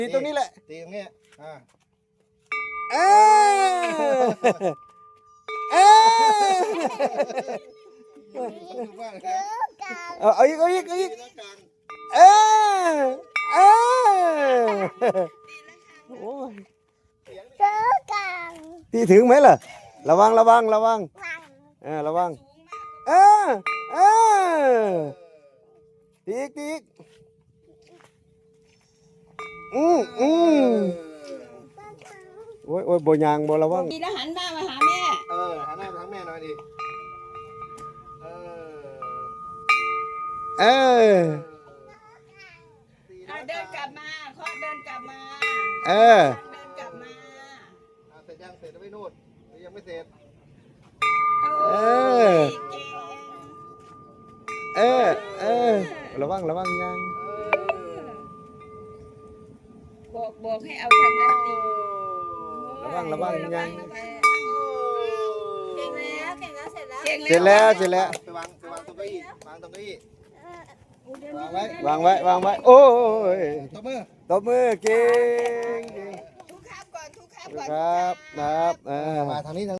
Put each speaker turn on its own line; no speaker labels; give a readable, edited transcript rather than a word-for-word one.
ตีตรงนี้แหละ
ตีตรงนี้
เออเออเอาอีกเออเออโอ้ยตีถึงไหมล่ะระวังระวังระวังระวังเออตีอีกตีอีกโอ้ยโอ้ยบ่ยางบ่ระวัง
ดีแล้วหันหน้ามาหาแม่
หันหน้าไปทางแม่หน่อยดิ
เออ
เดินกลับมาเคาะเดินกลับมา
เออ
เดินกลับมา
เสร็จยังเสร็จแล้วไม่นู่นยังไม่เสร็จ
เออเออเออระวังระวังยาง
บอกให้เอาทางนั้นตี
ระวังระวังยาง
เก่งแล้วเก่งแล้วเสร็จแล้ว
เสร็จแล้วเสร็จแล้ว
ไปวางตรงเก้าอี้วางตรงเก้าอี้
วางไว้วางไว้โอ้ย
ตบมือ
ตบมือเก่งเก่ง
ทุกครับก่อนทุกครับ
ค
ก่อน
รับครับ
มาทางนี้